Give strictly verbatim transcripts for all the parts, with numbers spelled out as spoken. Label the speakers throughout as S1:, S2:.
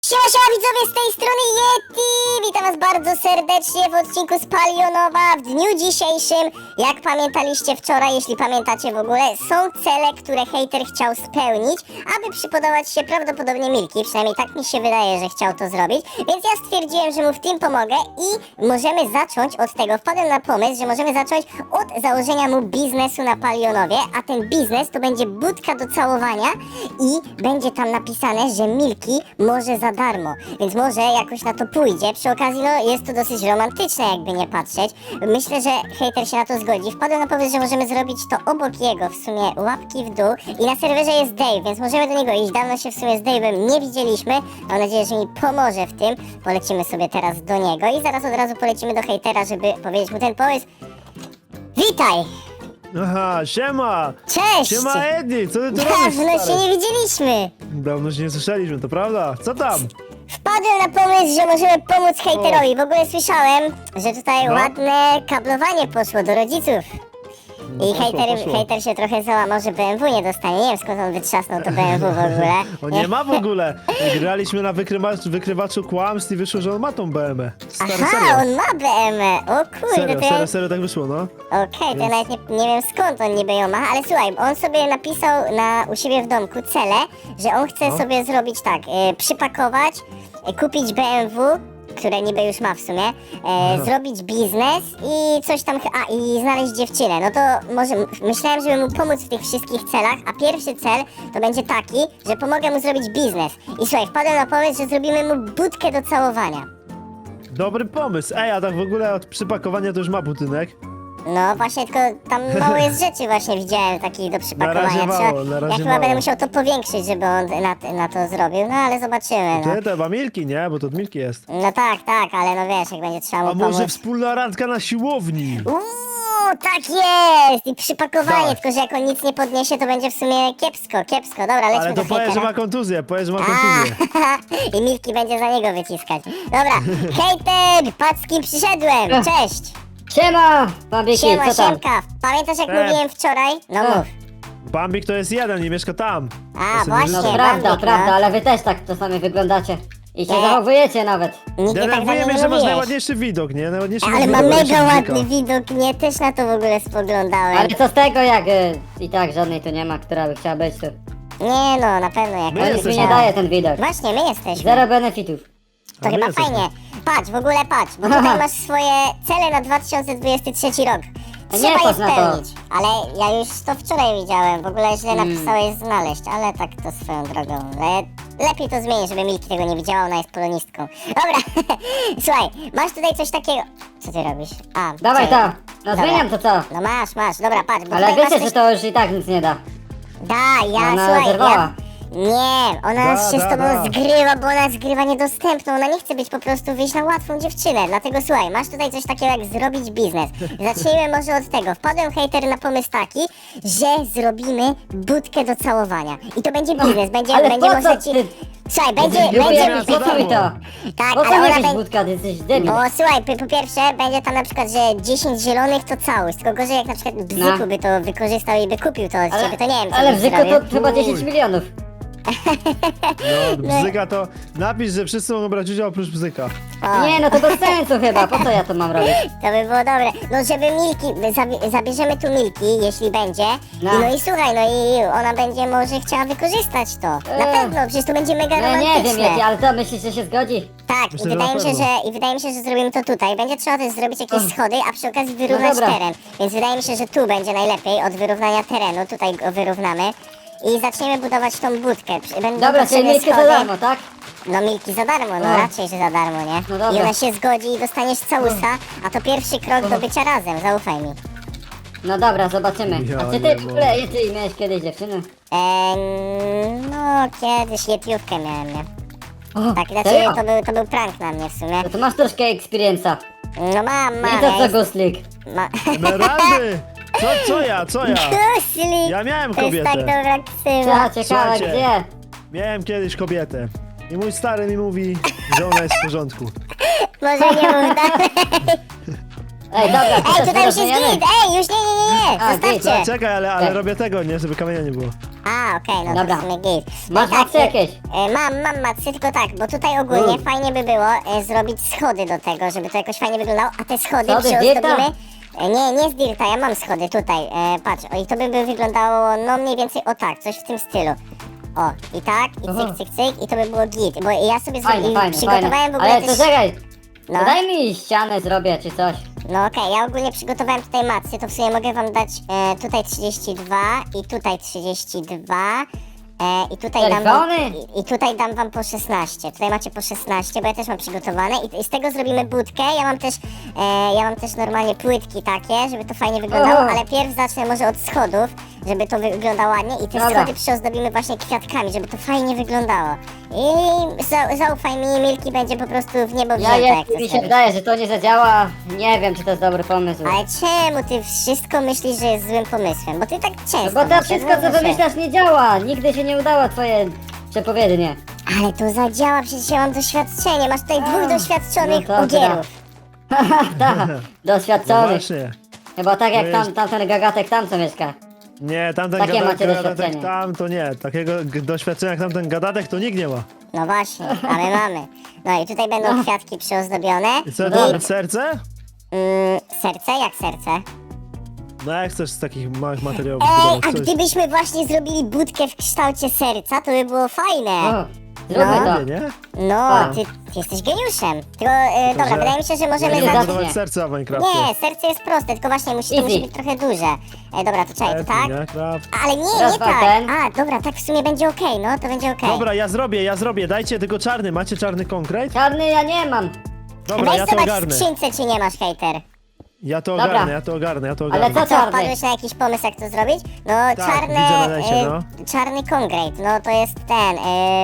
S1: Siema, siema widzowie, z tej strony Yeti! Witam was bardzo serdecznie w odcinku z Palionowa w dniu dzisiejszym. Jak pamiętaliście wczoraj, jeśli pamiętacie w ogóle, są cele, które hejter chciał spełnić, aby przypodobać się prawdopodobnie Milki. Przynajmniej tak mi się wydaje, że chciał to zrobić. Więc ja stwierdziłem, że mu w tym pomogę i możemy zacząć od tego. Wpadłem na pomysł, że możemy zacząć od założenia mu biznesu na Palionowie, a ten biznes to będzie budka do całowania i będzie tam napisane, że Milki może za darmo, więc może jakoś na to pójdzie. Przy okazji, no, jest to dosyć romantyczne, jakby nie patrzeć. Myślę, że hejter się na to zgodzi. Wpadłem na pomysł, że możemy zrobić to obok jego, w sumie łapki w dół. I na serwerze jest Dave, więc możemy do niego iść. Dawno się w sumie z Dave'em nie widzieliśmy. Mam nadzieję, że mi pomoże w tym. Polecimy sobie teraz do niego i zaraz od razu polecimy do hejtera, żeby powiedzieć mu ten pomysł. Witaj!
S2: Aha, siema!
S1: Cześć!
S2: Siema Edi, co ty tu robisz,
S1: Dawno się
S2: stary?
S1: nie widzieliśmy!
S2: Dawno się nie słyszeliśmy, to prawda? Co tam?
S1: Wpadłem na pomysł, że możemy pomóc hejterowi. W ogóle słyszałem, że tutaj
S2: No.
S1: ładne kablowanie poszło do rodziców. I
S2: poszło,
S1: hejter,
S2: poszło.
S1: hejter się trochę załamał, że B M W nie dostanie. Nie wiem, skąd on wytrzasnął to B M W w ogóle.
S2: O, nie ma w ogóle! Graliśmy na wykrywacz, wykrywaczu kłamstw i wyszło, że on ma tą B M W. Stary,
S1: Aha,
S2: serio.
S1: on ma B M W. O kurde,
S2: Serio,
S1: to ja...
S2: serio, serio tak wyszło, no.
S1: Okej, to ja nawet nie, nie wiem skąd on niby ją ma, ale słuchaj, on sobie napisał na, u siebie w domku cele, że on chce
S2: No.
S1: sobie zrobić tak, e, przypakować, e, kupić B M W, które niby już ma w sumie, e, zrobić biznes i coś tam, ch- a i znaleźć dziewczynę. No to może, myślałem, żeby mu pomóc w tych wszystkich celach, a pierwszy cel to będzie taki, że pomogę mu zrobić biznes. I słuchaj, wpadłem na pomysł, że zrobimy mu budkę do całowania.
S2: Dobry pomysł. Ej, a tak w ogóle od przypakowania to już ma budynek.
S1: No właśnie, tylko tam mało jest rzeczy właśnie widziałem takich do przypakowania.
S2: razie mało,
S1: Trzeba-
S2: na
S1: ja
S2: razie
S1: chyba
S2: mało.
S1: będę musiał to powiększyć, żeby on na, na to zrobił, no ale zobaczymy, no.
S2: Ty, to chyba Milki, nie? Bo to od Milki jest.
S1: No tak, tak, ale no wiesz, jak będzie trzeba mu
S2: A może
S1: pomóc.
S2: wspólna randka na siłowni?
S1: Uuu, tak jest! I przypakowanie,
S2: Dawaj.
S1: tylko że jak on nic nie podniesie, to będzie w sumie kiepsko, kiepsko. Dobra, lećmy
S2: Ale
S1: do
S2: to powiedz, że
S1: hejtera.
S2: ma kontuzję, powiedz, że ma
S1: A,
S2: kontuzję.
S1: i Milki będzie za niego wyciskać. Dobra, hejter, patrz z kim przyszedłem, cześć!
S3: Siema, Bambiki,
S1: Siema,
S3: co tam?
S1: siemka, pamiętasz jak
S2: E.
S1: mówiłem wczoraj? No
S3: E.
S1: mów.
S2: Bambik to jest jeden i mieszka tam.
S1: A,
S2: sobie
S1: właśnie,
S3: No
S2: Nie,
S3: prawda,
S1: Bambik,
S3: prawda,
S1: no.
S3: ale wy też tak czasami wyglądacie. I się
S1: Nie.
S3: zachowujecie nawet.
S1: Nigdy tak za
S2: Denerwuje
S1: mnie
S2: mnie,
S1: nie
S2: że masz
S1: mówiłeś.
S2: najładniejszy widok, nie? Najładniejszy
S1: Ale
S2: widok,
S1: ma
S2: najładniejszy
S1: mega
S2: bzyka.
S1: ładny widok, nie? Też na to w ogóle spoglądałem.
S3: Ale co z tego, jak y, i tak żadnej tu nie ma, która by chciała być tu.
S1: Nie no, na pewno jak
S2: My
S3: No nic mi
S2: jesteśmy.
S3: nie daje ten widok.
S1: Właśnie, my jesteśmy.
S3: Zero benefitów.
S1: To
S2: A my
S1: chyba
S2: jesteśmy.
S1: fajnie. Patrz, w ogóle patrz, bo tutaj masz swoje cele na dwa tysiące dwudziesty trzeci rok.
S3: A nie
S1: Trzeba je
S3: patrz na to.
S1: spełnić. Ale ja już to wczoraj widziałem, w ogóle źle
S3: Mm.
S1: napisałeś znaleźć, ale tak to swoją drogą. Le lepiej to zmienić, żeby Milki tego nie widziała, ona jest polonistką. Dobra, słuchaj, masz tutaj coś takiego... Co ty robisz? A,
S3: Dawaj
S1: czekaj.
S3: to, no
S1: Dobra.
S3: zmieniam to co.
S1: No masz, masz, dobra, patrz, bo
S3: Ale
S1: tutaj
S3: wiecie,
S1: masz
S3: że
S1: coś...
S3: to już i tak nic nie da.
S1: Da, ja,
S3: Ona
S1: słuchaj,
S3: zerwała.
S1: ja... Nie, ona
S2: Da,
S1: się
S2: da,
S1: z tobą
S2: da.
S1: zgrywa, bo ona zgrywa niedostępną, ona nie chce być po prostu wyjść na łatwą dziewczynę, dlatego słuchaj, masz tutaj coś takiego jak zrobić biznes. Zacznijmy może od tego, wpadłem hejter na pomysł taki, że zrobimy budkę do całowania i to będzie biznes, będzie,
S3: ale
S1: będzie
S3: po
S1: można
S3: co
S1: ci...
S3: ty-
S1: Słuchaj, będzie,
S3: Lubię,
S1: będzie...
S3: po co mi to?
S1: Tak,
S3: Po co
S1: ale
S3: mi
S1: ona
S3: jakaś
S1: będzie...
S3: budka, ty jesteś debil.
S1: Bo słuchaj, po, po pierwsze będzie tam na przykład, że dziesięć zielonych to całość, tylko gorzej jak na przykład Bzyku
S3: No.
S1: by to wykorzystał i by kupił to od
S3: Ale,
S1: ciebie, to nie wiem co
S3: ale
S1: byś
S3: w Zyku
S1: zrobił.
S3: to chyba dziesięć milionów.
S2: No, bzyka to... Napisz, że wszyscy mogą brać udział oprócz bzyka.
S1: O.
S3: Nie, no to bez sensu chyba, po co ja to mam robić?
S1: To by było dobre. No żeby Milki, zabi zabierzemy tu Milki, jeśli będzie.
S3: No.
S1: No. no i słuchaj, no i ona będzie może chciała wykorzystać to. Na
S3: Eee.
S1: pewno, przecież to będzie mega
S3: No
S1: romantyczne.
S3: nie wiem jaki, ale to myślisz, że się zgodzi?
S1: Tak,
S2: Myślę,
S1: i
S2: że
S1: wydaje
S2: na
S1: mi się,
S2: pewno.
S1: że i wydaje mi się, że zrobimy to tutaj. Będzie trzeba też zrobić jakieś
S3: Och.
S1: schody, a przy okazji wyrównać
S3: dobra.
S1: teren. Więc wydaje mi się, że tu będzie najlepiej od wyrównania terenu. Tutaj go wyrównamy. I zaczniemy budować tą budkę. Przy- Będą
S3: Dobra, czyli
S1: potrzebne
S3: miejsce za
S1: schody.
S3: darmo, tak?
S1: No Milki za darmo, no
S3: O.
S1: raczej, że za darmo, nie?
S3: No dobra.
S1: I ona się zgodzi i dostaniesz całusa, a to pierwszy krok do bycia razem, zaufaj mi.
S3: No dobra, zobaczymy.
S2: Ja
S3: A czy
S2: nie
S3: ty w ogóle, ty miałeś kiedyś dziewczynę?
S1: Eee, no kiedyś jetiówkę miałem, nie?
S3: O,
S1: Tak, znaczy
S3: serio?
S1: to był, to był prank na mnie w sumie.
S3: No to masz troszkę experience'a.
S1: No mam,
S3: Nie
S1: mam,
S3: to
S1: ja
S3: co
S1: jest,
S3: Guslik.
S1: ma...
S2: Emeraldy! Co, co ja, co ja?
S1: Guslik!
S2: Ja miałem
S1: To jest
S2: kobietę.
S1: tak dobra ksywa.
S3: Co, ciekawe
S2: Słuchajcie.
S3: gdzie?
S2: Miałem kiedyś kobietę. I mój stary mi mówi, że ona jest w porządku.
S1: Może nie mów dalej.
S3: Ej, dobra, to
S1: Ej,
S3: też
S1: tutaj już jest
S3: wyrównujemy?
S1: grid! Ej, już nie, nie, nie, nie!
S3: A, grid,
S1: Zostawcie!
S2: Czekaj, ale, ale
S3: Tak.
S2: robię tego, nie? Żeby kamienia nie było.
S1: A, okej, no
S3: Dobra.
S1: to w sumie git.
S3: Masz
S1: tak,
S3: macy
S1: e,
S3: jakieś?
S1: e, Mam, mam macy, tylko tak, bo tutaj ogólnie
S3: Mm.
S1: fajnie by było e, zrobić schody do tego, żeby to jakoś fajnie wyglądało, a te schody
S3: Schody z
S1: przyozdobimy...
S3: dirta?
S1: E, nie, nie z dirta, ja mam schody tutaj, e, patrz, o, i to by, by wyglądało, no mniej więcej o tak, coś w tym stylu. O, i tak, i
S3: Aha.
S1: cyk, cyk, cyk, i to by było git, bo ja sobie
S3: Fajnie,
S1: zrobi-
S3: fajnie,
S1: przygotowałem
S3: fajnie.
S1: w ogóle
S3: Ale to
S1: też...
S3: czekaj,
S1: No.
S3: to daj mi ścianę zrobię czy coś.
S1: No okej, ja ogólnie przygotowałem tutaj macy, to w sumie mogę wam dać e, tutaj trzydzieści dwa i tutaj trzydzieści dwa e, i tutaj dam wam,
S3: Czerwony?
S1: i, i tutaj dam wam po szesnaście, tutaj macie po szesnaście, bo ja też mam przygotowane i, i z tego zrobimy budkę, ja mam też e, ja mam też normalnie płytki takie, żeby to fajnie wyglądało,
S3: Oho.
S1: ale pierw zacznę może od schodów, żeby to wyglądało ładnie i te
S3: Dobra.
S1: schody przyozdobimy właśnie kwiatkami, żeby to fajnie wyglądało i za, zaufaj mi, Milki będzie po prostu w niebo
S3: Ja
S1: wzięta, jak
S3: jest,
S1: to
S3: mi się
S1: zrobisz.
S3: wydaje, że to nie zadziała. Nie wiem, czy to jest dobry pomysł.
S1: Ale czemu ty wszystko myślisz, że jest złym pomysłem? Bo ty tak często
S3: No bo to
S1: myślisz,
S3: wszystko,
S1: no
S3: co
S1: zawsze.
S3: wymyślasz, nie działa. Nigdy się nie udało twoje przepowiednie.
S1: Ale to zadziała, przecież ja mam doświadczenie. Masz tutaj dwóch
S3: A,
S1: doświadczonych
S3: no to
S1: ogierów.
S3: Tak,
S2: No
S3: doświadczony.
S2: właśnie.
S3: Chyba tak jak
S2: To
S3: tam,
S2: jest-
S3: tamten gagatek tam co mieszka.
S2: Nie, tamten
S3: Takie
S2: gada-
S3: macie
S2: gadatek
S3: doświadczenie.
S2: tam to nie. Takiego g- doświadczenia jak tamten gadatek to nikt nie ma.
S1: No właśnie, a my mamy. No i tutaj będą kwiatki przyozdobione.
S2: I co,
S3: No
S2: to
S3: dobra.
S2: nawet serce?
S1: Mm, serce? Jak serce?
S2: No jak chcesz z takich małych materiałów
S1: Ej,
S2: zbudować
S1: a
S2: coś?
S1: gdybyśmy właśnie zrobili budkę w kształcie serca, to by było fajne.
S3: O, zróbmy
S1: No.
S3: to.
S2: Nie, nie?
S1: No,
S3: A.
S1: ty, ty jesteś geniuszem. Tylko, e, dobra,
S2: że-
S1: wydaje mi się, że możemy
S3: Nie
S2: Nie
S1: zacząć...
S2: zbudować
S3: zacznie.
S2: serca w Minecrafcie.
S1: Nie, serce jest proste, tylko właśnie musi, to
S3: Easy.
S1: musi być trochę duże. E, dobra, to czekaj, to tak?
S2: Minecraft.
S1: Ale nie,
S3: Raz,
S1: nie
S3: dwa,
S1: tak.
S3: ten.
S1: A, dobra, tak w sumie będzie okej, no, to będzie okej.
S2: Dobra, ja zrobię, ja zrobię. Dajcie tylko czarny. Macie czarny konkret?
S3: Czarny ja nie mam.
S2: Dobra,
S1: Weź
S2: ja to
S1: zobacz w
S2: ogarnę.
S1: skrzynce, czy nie masz, hejter.
S2: Ja to
S3: Dobra.
S2: ogarnę, ja to ogarnę, ja to
S3: Ale
S2: ogarnę.
S3: co
S1: Co,
S3: czarny?
S1: wpadłeś na jakiś pomysł, jak to zrobić? No, czarne...
S2: widzę na necie,
S1: e,
S2: no.
S1: Czarny konkret, no to jest ten... E,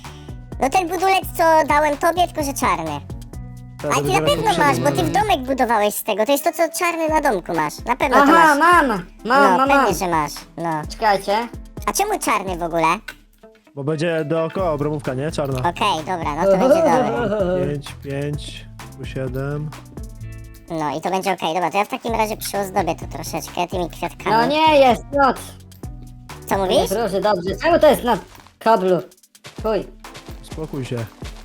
S1: no ten budulec, co dałem tobie, tylko że czarny.
S2: Ja
S1: A
S2: to
S1: ty na
S2: wybiorę
S1: pewno
S2: poprzedni,
S1: masz, bo ty w
S2: no.
S1: domek budowałeś z tego. To jest to, co czarny na domku masz. Na pewno to
S3: Aha,
S1: masz.
S3: mam. Mam,
S1: No,
S3: mam, mam.
S1: pewnie, że masz. No.
S3: Czekajcie.
S1: A czemu czarny w ogóle?
S2: Bo będzie dookoła obromówka, nie? Czarna.
S1: Okej, dobra, no to będzie dobre.
S2: pięć, pięć, tu siedem.
S1: No i to będzie okej. Dobra, to ja w takim razie przyozdobię to troszeczkę tymi kwiatkami.
S3: No nie jest noc.
S1: Co
S3: Nie
S1: mówisz?
S3: proszę, dobrze. Czemu to jest na kablu? Chuj.
S2: Spokój się.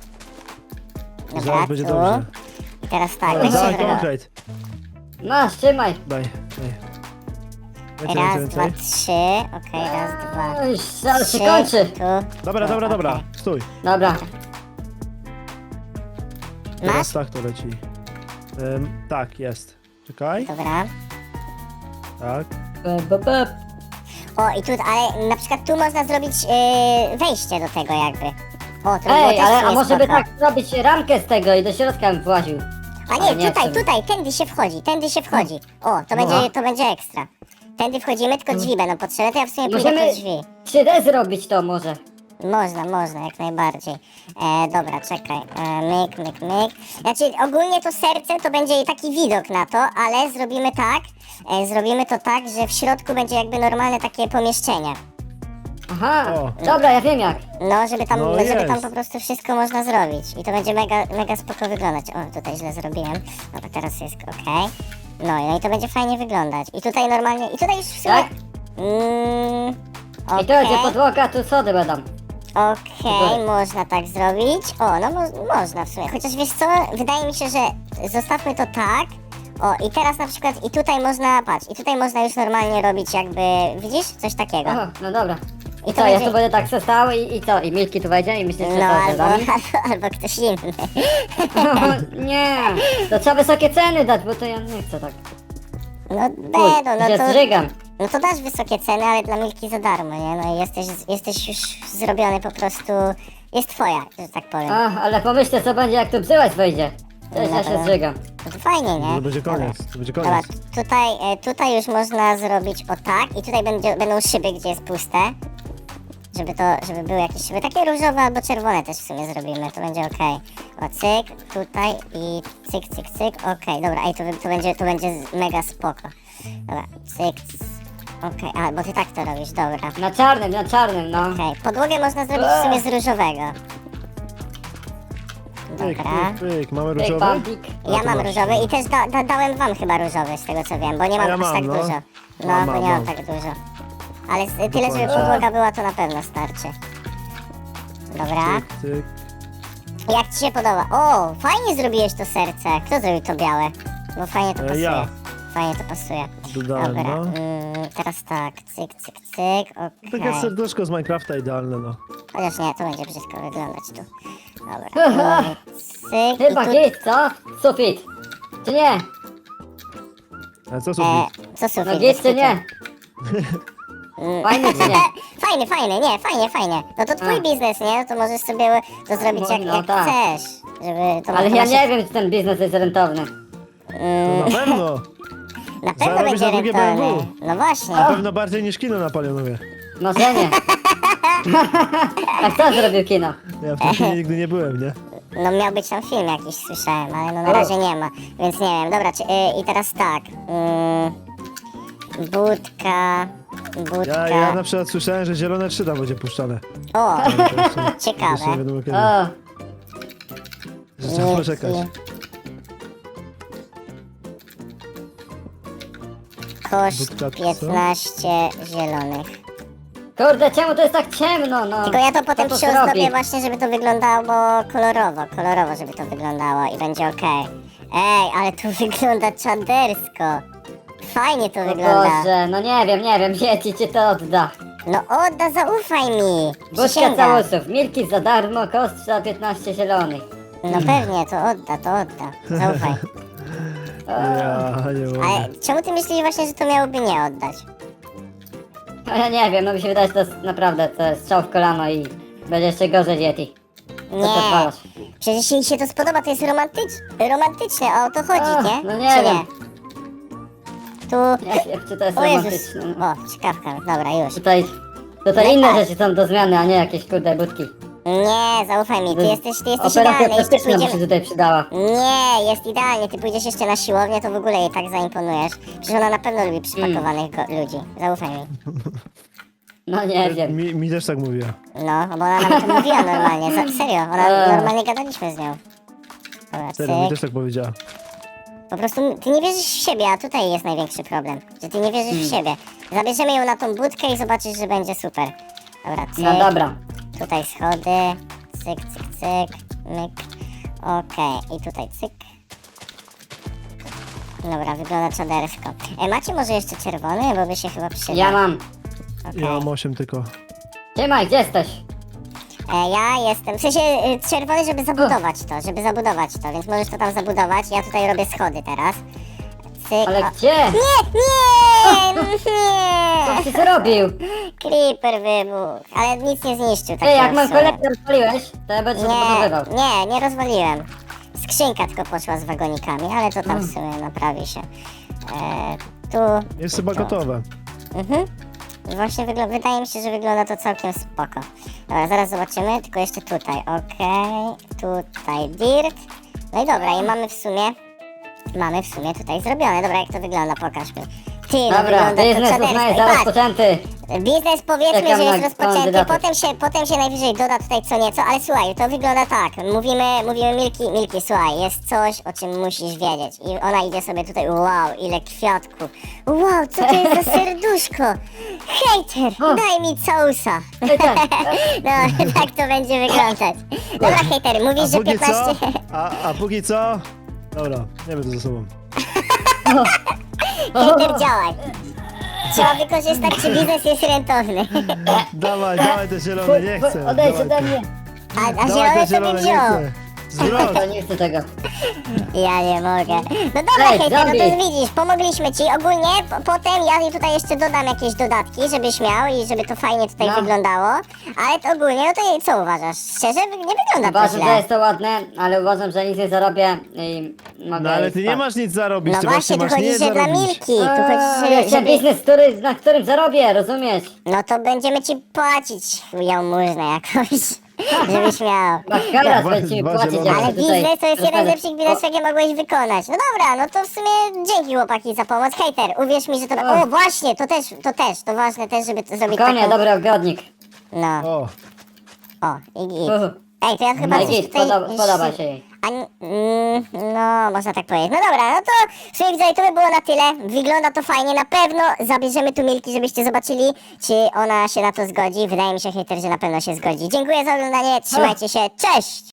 S1: Dobra,
S2: Zaraz będzie
S1: tu.
S2: dobrze.
S1: I teraz tak,
S2: Dobra,
S1: weź się
S2: dawaj
S1: zrobię.
S2: konkret.
S3: Masz, trzymaj.
S2: Daj, daj. Więcej,
S1: Raz,
S2: więcej,
S1: dwa,
S2: więcej.
S1: trzy. Okej, raz, dwa,
S3: Oj, zaraz się
S1: trzy.
S3: kończy.
S1: Tu.
S2: Dobra,
S1: tu,
S2: dobra, dobra.
S1: okej.
S2: Stój.
S3: Dobra.
S2: Teraz
S1: Masz?
S2: tak to leci. Ym, tak, jest. Czekaj.
S1: Dobra.
S2: Tak.
S3: Be, be, be.
S1: O, i tu, ale na przykład tu można zrobić yy, wejście do tego jakby. O, to by było
S3: Ej,
S1: też
S3: ale
S1: w
S3: a
S1: sumie
S3: może by
S1: spoko.
S3: tak zrobić ramkę z tego i do środka bym właził.
S1: A
S3: Ale
S1: nie,
S3: nie
S1: tutaj,
S3: chcę.
S1: tutaj, tędy się wchodzi, tędy się wchodzi. O, to
S3: No.
S1: będzie, to będzie ekstra. Tędy wchodzimy, tylko drzwi będą potrzebne, to ja w sumie pójdę
S3: Możemy
S1: po drzwi.
S3: trzy D zrobić to może.
S1: Można, można, jak najbardziej. E, dobra, czekaj. E, myk, myk, myk. Znaczy, ogólnie to serce to będzie taki widok na to, ale zrobimy tak, e, zrobimy to tak, że w środku będzie jakby normalne takie pomieszczenie.
S3: Aha,
S2: O.
S3: dobra, ja wiem jak.
S1: No, żeby tam,
S2: No
S1: żeby
S2: jest.
S1: tam po prostu wszystko można zrobić. I to będzie mega, mega spoko wyglądać. O, tutaj źle zrobiłem. Dobra, teraz jest okej. No, i- no i to będzie fajnie wyglądać. I tutaj normalnie, i tutaj już w sumie...
S3: Tak?
S1: Mm,
S3: I to będzie
S1: okej.
S3: podłoga, tu sody będą.
S1: Okej,
S3: Dobra.
S1: można tak zrobić. O, no mo można w sumie. Chociaż wiesz co, wydaje mi się, że zostawmy to tak. O, i teraz na przykład, i tutaj można, patrz, i tutaj można już normalnie robić jakby, widzisz? Coś takiego.
S3: Aha, no dobra.
S1: I
S3: I
S1: to
S3: co, ja
S1: będzie-
S3: tu będę tak se stał i, i co? I Milki tu wejdzie i myślisz, że
S1: No,
S3: to
S1: albo,
S3: za nami?
S1: albo, albo ktoś inny.
S3: Nie, to trzeba wysokie ceny dać, bo to ja nie chcę tak.
S1: No,
S3: Uj,
S1: będą, no
S3: się
S1: to...
S3: zżygam.
S1: No to dasz wysokie ceny, ale dla Milki za darmo, nie? No i jesteś, jesteś już zrobiony po prostu... Jest twoja, że tak powiem.
S3: A, ale pomyślcie co będzie jak tu bzyłać wejdzie. Też ja się
S1: Dobra.
S3: zżygam.
S1: No to fajnie, nie?
S2: To będzie koniec, to będzie
S1: Dobra,
S2: koniec.
S1: tutaj, e, tutaj już można zrobić o tak i tutaj będzie, będą szyby, gdzie jest puste. Żeby to, żeby były jakieś szyby, takie różowe albo czerwone też w sumie zrobimy, to będzie okej. O, cyk, tutaj i cyk, cyk, cyk, okej, dobra, ej, to, wy- to będzie, to będzie z- mega spoko. Dobra, cyk, c- okej, a, bo ty tak to robisz, dobra.
S3: Na czarnym, na czarnym, no.
S1: Okej, podłogę można zrobić w sumie z różowego.
S2: Pyk,
S1: Dobra.
S2: pyk, pyk. Mamy
S3: Pyk,
S2: różowy?
S3: pampik.
S2: A,
S1: Ja
S2: to
S1: mam
S2: masz.
S1: różowy i też da, da, dałem wam chyba różowy, z tego co wiem, bo nie mam
S2: ja
S1: aż
S2: mam,
S1: tak
S2: no.
S1: dużo. No,
S2: Mam,
S1: bo
S2: mam,
S1: nie mam
S2: mam.
S1: tak dużo. Ale z- tyle, żeby
S2: Dokładnie.
S1: podłoga była, to na pewno starczy. Dobra.
S2: Tyk, tyk.
S1: Jak ci się podoba? O, fajnie zrobiłeś to serce. Kto zrobił to białe? Bo fajnie to
S2: E,
S1: pasuje.
S2: ja.
S1: Fajnie to pasuje.
S2: Dodałem,
S1: Dobra,
S2: no.
S1: mm, teraz tak, cyk, cyk, cyk, okej.
S2: Takie serduszko z Minecrafta idealne, no.
S1: Chociaż nie, to będzie brzydko wyglądać tu. Dobra, mm, cyk
S3: Chyba
S1: i tu...
S3: git, co? Sufit. Czy nie?
S2: Ale co
S1: E,
S2: sufit?
S1: co sufit?
S3: No git, czy
S1: Bez
S3: nie?
S1: Mm.
S3: Fajny, czy nie?
S1: Fajny, fajny, nie, fajnie, fajnie. No to twój
S3: A.
S1: biznes, nie? No to możesz sobie to zrobić
S3: No,
S1: jak,
S3: no
S1: jak
S3: tak.
S1: chcesz. Żeby to
S3: Ale
S1: to
S3: ja
S1: masz-
S3: nie wiem, czy ten biznes jest rentowny.
S2: To na pewno.
S1: Na pewno
S2: zarobisz
S1: będzie
S2: na drugie B M W.
S1: rentowny. No właśnie.
S2: Na pewno bardziej niż kino na Palionowie.
S3: Może nie. A kto zrobił kino?
S2: Ja w tym kinie nigdy nie byłem, nie?
S1: No miał być tam film jakiś, słyszałem, ale no na razie nie ma, więc nie wiem. Dobra, czy, y, i teraz tak. Y, budka, budka.
S2: Ja, ja na przykład słyszałem, że zielone trzy tam będzie puszczane.
S1: O,
S2: Ale to jeszcze, jeszcze nie
S1: ciekawe.
S2: wiadomo kiedy.
S3: O,
S2: Że trzeba
S1: Nieki.
S2: poczekać.
S1: Koszt
S2: Budka, co?
S1: piętnaście zielonych.
S3: kurde, czemu to jest tak ciemno, no?
S1: Tylko ja to potem
S3: Kto to
S1: przyozdobię
S3: zrobi?
S1: właśnie, żeby to wyglądało kolorowo, kolorowo, żeby to wyglądało i będzie okej. Ej, ale tu wygląda czadersko. Fajnie to
S3: O
S1: wygląda.
S3: Boże, no nie wiem, nie wiem, dzieci ci to odda.
S1: No odda, zaufaj mi.
S3: Budka
S1: Przysięgam.
S3: całusów, milki za darmo, koszt za piętnaście zielonych.
S1: No pewnie, to odda, to odda. Zaufaj.
S2: Ja nie mogę.
S1: Ale czemu ty myślisz właśnie, że to miałoby nie oddać?
S3: No ja nie wiem, no mi się wydaje, że to jest naprawdę, to jest strzał w kolano i będzie jeszcze gorzej Yeti. Co ty
S1: Nie.
S3: odwalasz?
S1: Przecież jeśli się to spodoba, to jest romantycz... romantyczne, o to chodzi,
S3: A,
S1: nie?
S3: no nie
S1: Czy
S3: wiem.
S1: nie? Tu...
S3: Nie wiem, czy to jest
S1: O Jezus.
S3: romantyczne.
S1: O, ciekawka, dobra, już.
S3: Tutaj, tutaj inne rzeczy są do zmiany, a nie jakieś kurde budki.
S1: Nie, zaufaj mi, ty jesteś, ty jesteś
S3: Operacja
S1: idealny, jeszcze
S3: plastyczna by się
S1: pójdziemy...
S3: tutaj przydała.
S1: Nie, jest idealnie, ty pójdziesz jeszcze na siłownię, to w ogóle jej tak zaimponujesz. Przecież ona na pewno lubi przypakowanych go- ludzi, zaufaj mi.
S3: No nie wiem.
S2: Mi, mi też tak mówiła.
S1: No, bo ona nam to mówiła normalnie, za, serio, ona
S3: Eee.
S1: normalnie gadaliśmy z nią. Dobra,
S2: Serio, mi
S1: cyk.
S2: też tak powiedziała.
S1: Po prostu ty nie wierzysz w siebie, a tutaj jest największy problem, że ty nie wierzysz
S3: Hmm.
S1: w siebie. Zabierzemy ją na tą budkę i zobaczysz, że będzie super. Dobra, cyk.
S3: No dobra.
S1: Tutaj schody, cyk, cyk, cyk, myk. Okej, i tutaj cyk. Dobra, wygląda czadersko. E, macie może jeszcze czerwony, bo by się chyba przydał.
S3: Ja mam.
S1: Okej.
S2: Ja mam osiem tylko.
S3: Trzymaj, gdzie jesteś?
S1: E, ja jestem, w sensie y, czerwony, żeby zabudować to, żeby zabudować to, więc możesz to tam zabudować. Ja tutaj robię schody teraz. Cyk.
S3: Ale
S1: o-
S3: gdzie?
S1: Nie, nie,
S3: Co
S1: nie!
S3: ty zrobił?
S1: Creeper wybuchł, ale nic nie zniszczył.
S3: Ty, jak
S1: takiego
S3: mam
S1: w sumie.
S3: kolektor rozpaliłeś, to ja będę się dobudowywał.
S1: Nie, nie, nie rozwaliłem. Skrzynka tylko poszła z wagonikami, ale to tam w
S3: Mm.
S1: sumie naprawi się. E, tu...
S2: Jest chyba gotowe.
S1: Mhm. Właśnie wygl- wydaje mi się, że wygląda to całkiem spoko. Dobra, zaraz zobaczymy, tylko jeszcze tutaj, okej. Tutaj dirt. No i dobra, i mamy w sumie... Mamy w sumie tutaj zrobione. Dobra, jak to wygląda, pokaż mi. Ty, no
S3: Dobra,
S1: wygląda to
S3: biznes
S1: czadersko.
S3: uznaję
S1: I
S3: za
S1: patrz,
S3: rozpoczęty.
S1: biznes powiedzmy,
S3: Czekam
S1: że jest
S3: na
S1: rozpoczęty,
S3: kandydatów.
S1: potem się, potem się najwyżej doda tutaj co nieco, ale słuchaj, to wygląda tak, mówimy, mówimy Milki, Milki, słuchaj, jest coś, o czym musisz wiedzieć i ona idzie sobie tutaj, wow, ile kwiatków, wow, co to jest za serduszko, hejter,
S3: O.
S1: daj mi całusa,
S3: Hejter.
S1: no, tak to będzie wyglądać. Dobra, hejter,
S2: A
S1: mówisz, że
S2: póki co?
S1: piętnaście,
S2: A, a póki co? Dobra, nie będę ze sobą.
S1: hejter, działaj. Trzeba wykorzystać, czy biznes jest rentowny.
S2: Dawaj, dawaj te zielone, nie chcę.
S3: Odejdź
S2: Dawaj
S3: ode
S2: te-
S3: mnie.
S1: A, a
S2: Dawaj
S1: zielone
S2: te
S1: sobie
S2: zielone, nie
S1: wziął.
S2: chcę. Zwrot.
S3: To nie chcę tego.
S1: Ja nie mogę. No dobra,
S3: Ej,
S1: hejter, no to
S3: zombie.
S1: widzisz, pomogliśmy ci. Ogólnie po, potem ja tutaj jeszcze dodam jakieś dodatki, żebyś miał i żeby to fajnie tutaj
S3: No.
S1: wyglądało. Ale to ogólnie, no to co uważasz? Szczerze, wy- nie wygląda to
S3: Uważam, że
S1: źle.
S3: jest to ładne, ale uważam, że nic nie zarobię i mogę
S2: No ale ty nie
S3: spać.
S2: masz nic zarobić,
S1: No
S2: ty
S1: właśnie,
S2: właśnie
S1: tu
S2: masz
S1: chodzi,
S2: nie
S1: że dla
S2: zarobić.
S1: Milki. Tu
S3: Eee,
S1: chodzi,
S3: ja
S1: że,
S3: chciałem
S1: żeby...
S3: biznes, który, na którym zarobię, rozumiesz?
S1: No to będziemy ci płacić jałmużnę jakąś, żebyś miał.
S3: Bakaras
S2: Dwa-
S3: będzie mi
S2: dwa
S3: płacić,
S2: zielone.
S3: jak
S1: Ale
S3: się tutaj
S1: biznes to jest jeden z
S3: rozpędzę.
S1: lepszych biznesów, jakie mogłeś wykonać. No dobra, no to w sumie dzięki chłopaki za pomoc. Hejter, uwierz mi, że to...
S3: O.
S1: O, właśnie, to też, to też, to ważne też, żeby to zrobić
S3: Konie,
S1: taką...
S3: dobry ogrodnik.
S1: No,
S2: O,
S1: o, i git.
S3: Uhu.
S1: Ej, to ja chyba
S3: No
S1: coś
S3: git,
S1: tutaj...
S3: podoba, podoba się jej.
S1: A, n- mm, no, można tak powiedzieć. No dobra, no to w sumie widzowie, to by było na tyle. Wygląda to fajnie, na pewno zabierzemy tu Milki, żebyście zobaczyli, czy ona się na to zgodzi. Wydaje mi się, hejter, że na pewno się zgodzi. Dziękuję za oglądanie, trzymajcie się, cześć!